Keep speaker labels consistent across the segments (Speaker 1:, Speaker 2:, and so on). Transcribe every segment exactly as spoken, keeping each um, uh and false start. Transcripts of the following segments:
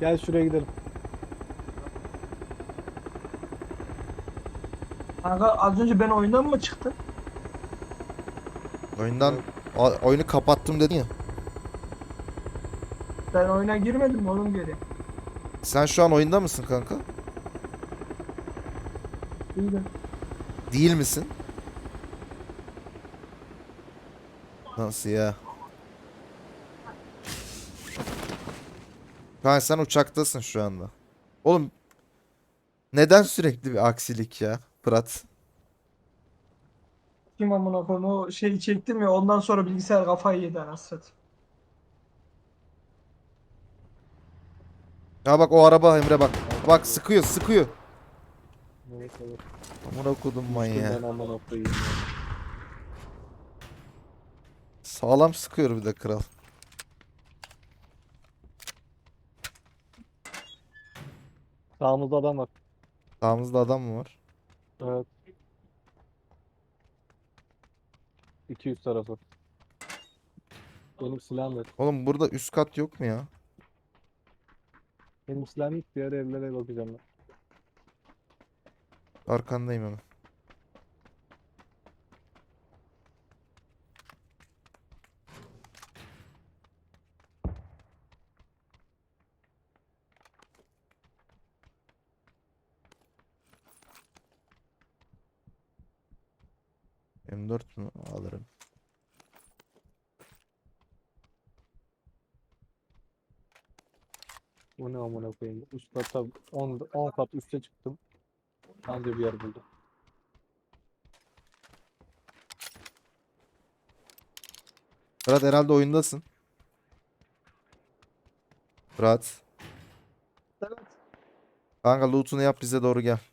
Speaker 1: Gel şuraya gidelim.
Speaker 2: Kanka az önce ben oyundan mı çıktım?
Speaker 3: Oyundan
Speaker 1: Evet.
Speaker 3: o- oyunu kapattım dedin ya.
Speaker 2: Ben oyuna girmedim oğlum geri.
Speaker 3: Sen şu an oyunda mısın kanka?
Speaker 2: İyiydi.
Speaker 3: Değil misin? Nasıl ya? Kanka sen uçaktasın şu anda. Oğlum neden sürekli bir aksilik ya Fırat?
Speaker 2: Kim amına koyayım o şeyi çektim ya ondan sonra bilgisayar kafayı yedi anasını satayım.
Speaker 3: Ya bak o araba Emre bak. Bak
Speaker 1: Evet,
Speaker 3: sıkıyor sıkıyor.
Speaker 1: evet, evet.
Speaker 3: Amına kodum
Speaker 1: Düştüm
Speaker 3: manyağı.
Speaker 1: ben amına koyayım ya.
Speaker 3: Sağlam sıkıyor bir de kral.
Speaker 1: Sağımızda adam var.
Speaker 3: Sağımızda adam mı var?
Speaker 1: Evet. iki yüz tarafı. Benim silahım yok.
Speaker 3: Oğlum burada üst kat yok mu ya?
Speaker 1: Benim silahım yok. Diğer evlere bakacağım ben.
Speaker 3: Arkandayım hemen. M dört mü? Alırım.
Speaker 1: Bu ne amına koyayım. Üst kata on, on kat üste çıktım. Anca bir yer buldum.
Speaker 3: Fırat herhalde oyundasın. Fırat.
Speaker 2: Evet.
Speaker 3: Kanka loot'unu yap bize doğru gel.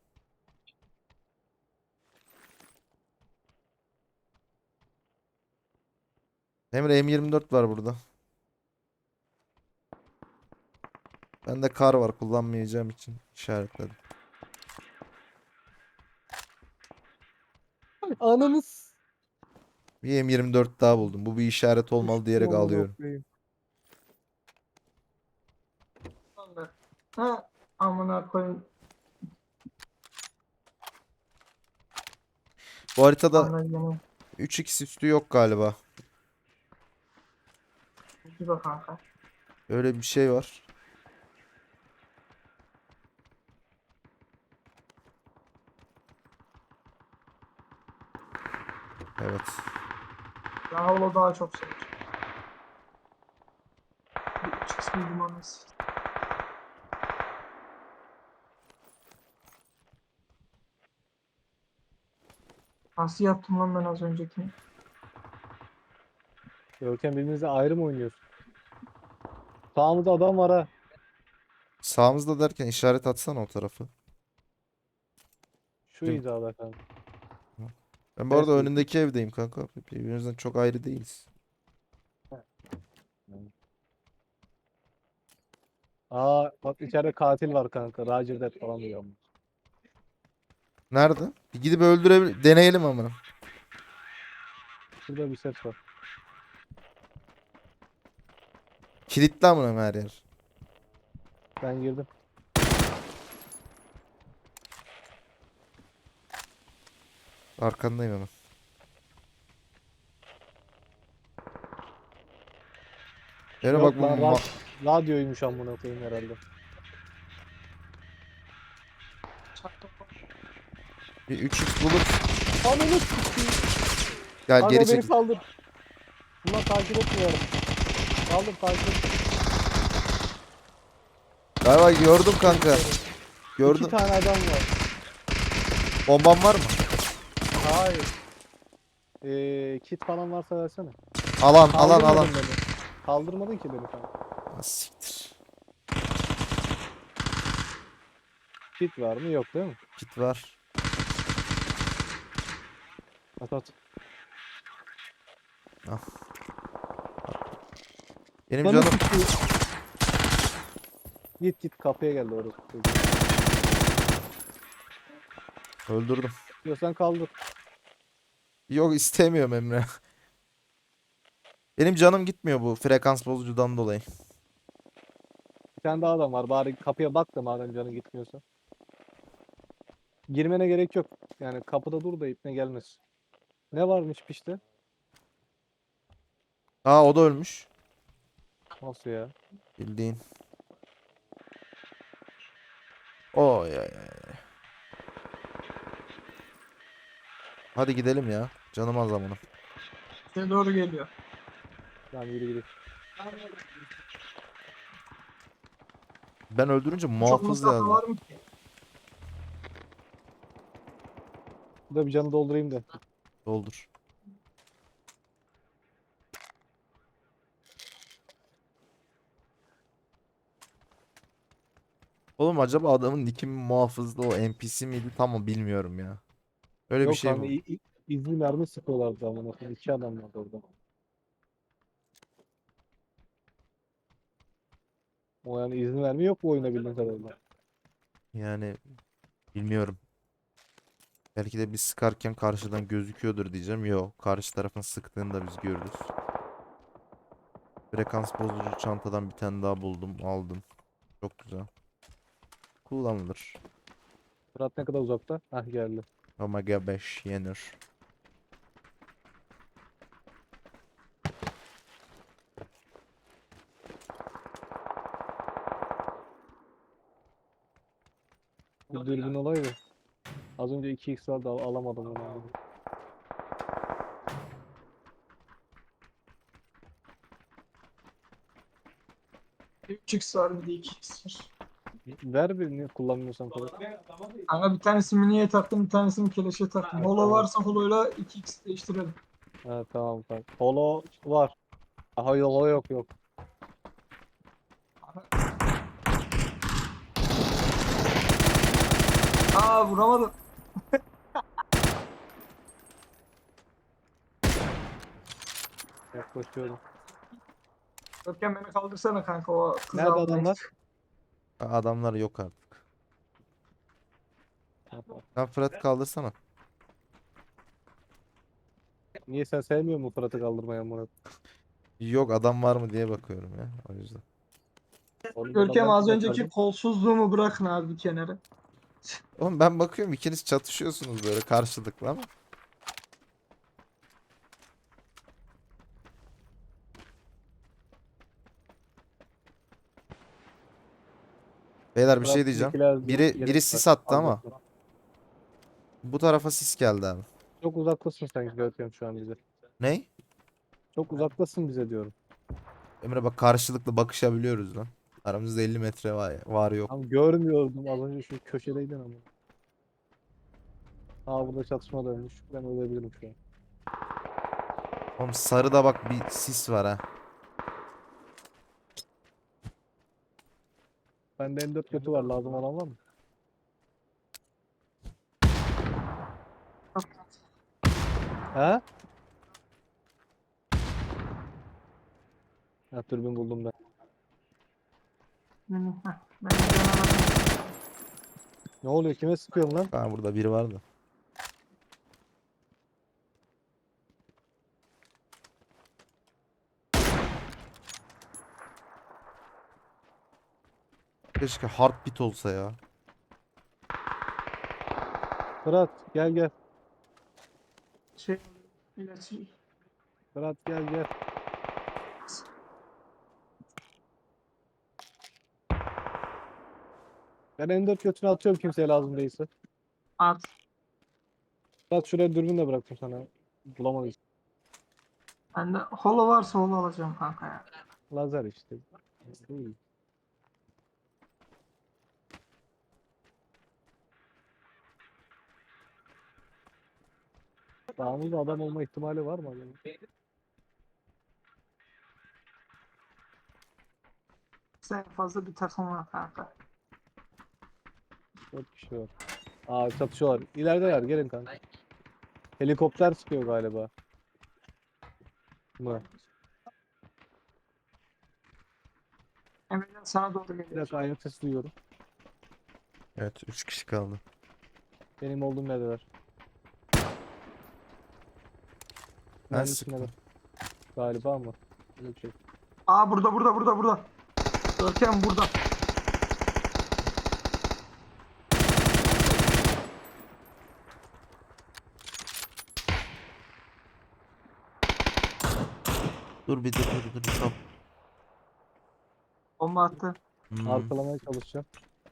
Speaker 3: Emre M yirmi dört var burada. Bende kar var kullanmayacağım için işaretledim.
Speaker 1: Ananız.
Speaker 3: Bir M yirmi dört daha buldum. Bu bir işaret olmalı
Speaker 1: Düştüm
Speaker 3: diyerek
Speaker 1: amına
Speaker 3: alıyorum.
Speaker 1: koyayım.
Speaker 2: Vallahi. Ha amına koyayım.
Speaker 3: Bu haritada
Speaker 2: Anlayacağım.
Speaker 3: üç x üstü yok galiba.
Speaker 2: Bir bak kanka.
Speaker 3: Öyle bir şey var. Evet.
Speaker 2: Ben havlu daha çok seviyorum. Bir üç x bildim anasını. Nasıl yaptım lan ben az öncekini?
Speaker 1: Görkem birbirinizle ayrı mı oynuyorsun? Sağımızda adam var ha.
Speaker 3: Sağımızda derken işaret atsana o tarafı.
Speaker 1: Şu
Speaker 3: Kim?
Speaker 1: hizada kanka.
Speaker 3: Ben bu arada
Speaker 1: Ters bir.
Speaker 3: önündeki evdeyim kanka. Birbirimizden çok ayrı değiliz.
Speaker 1: Aa bak içeride katil var kanka. Roger Dead falan diyor.
Speaker 3: Nerede? Bir gidip öldürebil deneyelim ama.
Speaker 1: Şurada bir ses var.
Speaker 3: Kilitli amına her yer.
Speaker 1: Ben girdim.
Speaker 3: Arkandayım hemen. Emre bak
Speaker 1: Yok
Speaker 3: bu
Speaker 1: lan
Speaker 3: ma-
Speaker 1: rad radyoymuş amına koyayım herhalde.
Speaker 2: Çaktım.
Speaker 3: bir üç x bulup
Speaker 1: Ananı s**eyim.
Speaker 3: gel
Speaker 1: Kanka
Speaker 3: geri
Speaker 1: beni
Speaker 3: çekil.
Speaker 1: saldır. Bundan takip etmiyorum. Saldır takip et.
Speaker 3: Galiba gördüm kanka. Gördüm.
Speaker 1: İki tane adam var.
Speaker 3: Bomban var mı?
Speaker 1: Hayır. Ee, kit falan varsa versene.
Speaker 3: Alan alan
Speaker 1: Kaldırmadın
Speaker 3: alan.
Speaker 1: beni. Kaldırmadın ki beni kanka.
Speaker 3: Ah, siktir.
Speaker 1: Kit var mı? Yok değil mi?
Speaker 3: Kit var.
Speaker 1: At at.
Speaker 3: Al. Benim
Speaker 1: Bana
Speaker 3: canım
Speaker 1: sıkıyor. Git git kapıya geldi orası.
Speaker 3: öldürdüm.
Speaker 1: Diyorsan kaldır.
Speaker 3: Yok istemiyorum Emre. Benim canım gitmiyor bu frekans bozucudan dolayı.
Speaker 1: tane daha adam var. Bari kapıya bak da madem canın gitmiyorsa. Girmene gerek yok. Yani kapıda dur da ipne gelmesin. Ne varmış pişti?
Speaker 3: Aa o da ölmüş.
Speaker 1: Nasıl ya?
Speaker 3: Bildiğin. Oy ay ay. Hadi gidelim ya. Canım az amına.
Speaker 2: Size doğru geliyor.
Speaker 1: Tamam yürü gidelim.
Speaker 3: Ben öldürünce
Speaker 2: Çok
Speaker 3: muhafız
Speaker 2: mesafe
Speaker 3: yazdı.
Speaker 2: var mı ki?
Speaker 1: Bu da bir canı doldurayım da.
Speaker 3: Doldur. Oğlum acaba adamın nicki mi muhafızdı, o N P C miydi tam o bilmiyorum ya. Öyle bir
Speaker 1: Yok
Speaker 3: şey
Speaker 1: hani
Speaker 3: bu.
Speaker 1: i- i- izli mermi sıkıyorlardı ama bakın iki adam vardı orada. O yani izni vermi yok bu oyuna bildiğin kadarıyla.
Speaker 3: Yani bilmiyorum. Belki de biz sıkarken karşıdan gözüküyordur diyeceğim. Yok. Karşı tarafın sıktığını da biz görürüz. Frekans bozucu çantadan bir tane daha buldum. Aldım. Çok güzel. Kullanılır.
Speaker 1: Fırat ne kadar uzakta? Hah geldi.
Speaker 3: Omega beş yenir.
Speaker 1: Bir dürbün olaydı. Az önce iki x vardı al- alamadım onu.
Speaker 2: üç x var bir de iki x var.
Speaker 1: Ver birini kullanmıyorsan falan.
Speaker 2: Kanka bir tanesini miniye taktım, bir tanesini keleşe taktım. Holo varsa holoyla iki x değiştirelim.
Speaker 1: Ha, tamam tamam. Polo var. Aha yok yok yok.
Speaker 2: Aa vuramadım.
Speaker 1: Yaklaşıyorum.
Speaker 2: Görkem beni kaldırsana kanka, o kızı
Speaker 1: Nerede
Speaker 2: almaya
Speaker 1: adamlar?
Speaker 2: gidiyor.
Speaker 3: Adamlar yok artık.
Speaker 1: Tamam.
Speaker 3: Sen Fırat kaldırsana.
Speaker 1: Niye sen sevmiyor musun Fırat'ı kaldırmaya Murat?
Speaker 3: Yok adam var mı diye bakıyorum ya. O yüzden.
Speaker 1: Oğlum
Speaker 2: Görkem
Speaker 1: adamlar
Speaker 2: az
Speaker 1: kim
Speaker 2: önceki
Speaker 1: yapardı?
Speaker 2: kolsuzluğumu bırakın abi bir kenara.
Speaker 3: Oğlum ben bakıyorum ikiniz çatışıyorsunuz böyle karşılıklı ama. Beyler bir şey diyeceğim.
Speaker 1: Fırat'takiler
Speaker 3: Biri biri
Speaker 1: yelek var.
Speaker 3: sis attı
Speaker 1: Al
Speaker 3: ama
Speaker 1: bakalım.
Speaker 3: bu tarafa sis geldi abi.
Speaker 1: Çok uzaktasın sen Görkem şu an bize.
Speaker 3: Ney?
Speaker 1: Çok uzaktasın bize diyorum.
Speaker 3: Emre bak karşılıklı bakışabiliyoruz lan. Aramızda elli metre var, var yok.
Speaker 1: Tam görmüyordum az önce şu köşedeydin ama. Aa burada çatışma dönmüş. Ben ölebilirim şu an.
Speaker 3: Oğlum sarıda bak bir sis var ha.
Speaker 1: Bende M dört kötü var lazım olan var mı? Ha? Ha türbün buldum ben.
Speaker 2: Heh, ben de canım.
Speaker 1: Ne oluyor kime sıkıyorum lan?
Speaker 3: Ha burada biri vardı. Keşke heartbeat olsa ya.
Speaker 1: Fırat gel gel.
Speaker 2: Şey, ilaçı.
Speaker 1: Fırat gel gel. Ben M dört götünü atıyorum kimseye lazım değilse.
Speaker 2: At.
Speaker 1: Fırat şuraya dürbün de bıraktım sana. Bulamadın.
Speaker 2: Bende holo varsa holo alacağım kanka ya.
Speaker 1: Lazer işte. Değil. Dağımızda adam olma ihtimali var mı acaba?
Speaker 2: Sen fazla bir takım var kanka.
Speaker 1: Dört kişi var. Aa çatışıyorlar. İlerideler gelin kanka. Helikopter sıkıyor galiba. Mı?
Speaker 2: Emre'den sana doğru
Speaker 1: Bir
Speaker 2: geliyor.
Speaker 1: dakika ayak sesi duyuyorum.
Speaker 3: Evet üç kişi kaldı.
Speaker 1: Benim olduğum neredeler?
Speaker 3: Ben
Speaker 1: Ben
Speaker 3: sıktım.
Speaker 1: Galiba ama. Öyle bir şey.
Speaker 2: Aa burada burada burada burada. Görkem burada.
Speaker 3: Dur bir dur dur dur. Stop.
Speaker 2: Bomba attı.
Speaker 3: Hmm.
Speaker 1: Arkalamaya çalışacağım.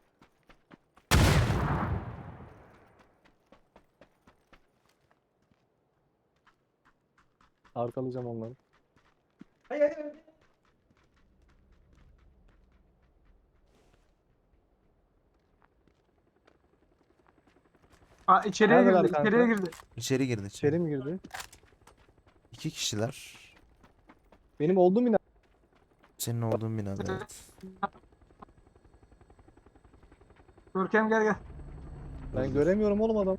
Speaker 1: Arkalayacağım onları.
Speaker 2: Aa, içeriye
Speaker 1: Neredeler
Speaker 2: girdi.
Speaker 1: kanka?
Speaker 2: İçeriye girdi.
Speaker 3: İçeri girdi içeri.
Speaker 1: İçeri mi girdi?
Speaker 3: İki kişiler.
Speaker 1: Benim olduğum bina.
Speaker 3: Senin olduğun binada evet.
Speaker 2: Görkem gel gel.
Speaker 1: Ben
Speaker 3: Dur, dur.
Speaker 1: göremiyorum oğlum adam.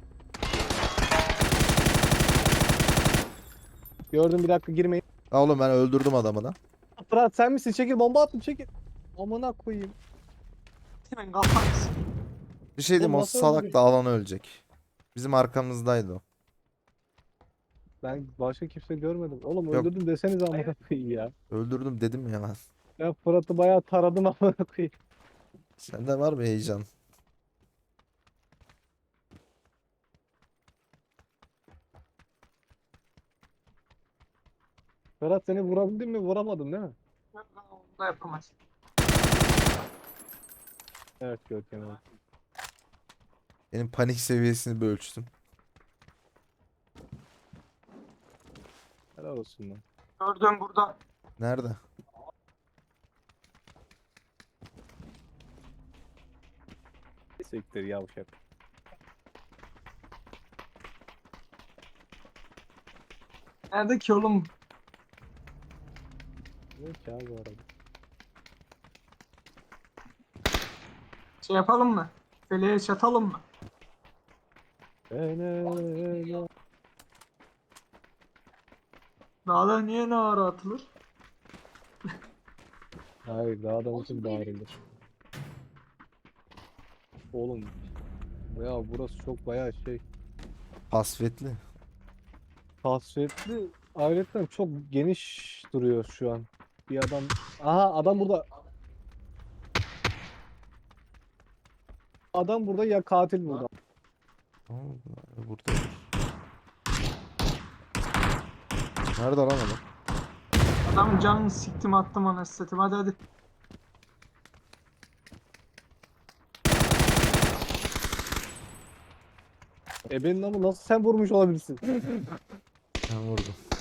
Speaker 1: Gördüm, bir dakika girmeyin.
Speaker 3: Aa, oğlum ben öldürdüm adamı da.
Speaker 1: Fırat sen misin? Çekil, bomba attım, çekil. Amına koyayım.
Speaker 2: Hemen kalkarız.
Speaker 3: Bir şey diyeyim,
Speaker 1: Oğlum
Speaker 3: o
Speaker 1: nasıl
Speaker 3: salak
Speaker 1: öldürdün?
Speaker 3: da alan ölecek. Bizim arkamızdaydı o.
Speaker 1: Ben başka kimse görmedim. Oğlum
Speaker 3: Yok.
Speaker 1: öldürdüm deseniz amına koyayım ya.
Speaker 3: Öldürdüm dedim ya ben.
Speaker 1: Ben Fırat'ı bayağı taradım amına koyayım.
Speaker 3: Sende var mı heyecan?
Speaker 1: Fırat seni vurabildim mi? Vuramadım değil mi?
Speaker 2: Onu da yapamaz.
Speaker 1: Evet Görkem, evet.
Speaker 3: Benim panik seviyesini bir ölçtüm.
Speaker 1: Helal olsun lan.
Speaker 2: Gördüm burada.
Speaker 3: Nerede?
Speaker 1: Siktir yavşak.
Speaker 2: Nerede ki oğlum?
Speaker 1: Ne ki abi bu arada?
Speaker 2: Şey yapalım mı? Feleğe çatalım mı?
Speaker 1: Hele.
Speaker 2: Dağda niye ne ara atılır?
Speaker 1: Hayır, daha adam için bağırılır. Oğlum. Ya burası çok bayağı şey.
Speaker 3: Hasvetli.
Speaker 1: Kasvetli. Ayrıca çok geniş duruyor şu an. Bir adam. Aha, adam burada. Adam burada ya katil burada.
Speaker 3: Aa, burada. Nerede lan adam?
Speaker 2: Adamın canını siktim attım anasını satayım. Hadi hadi.
Speaker 1: E benim ama nasıl sen vurmuş olabilirsin?
Speaker 3: Ben vurdum.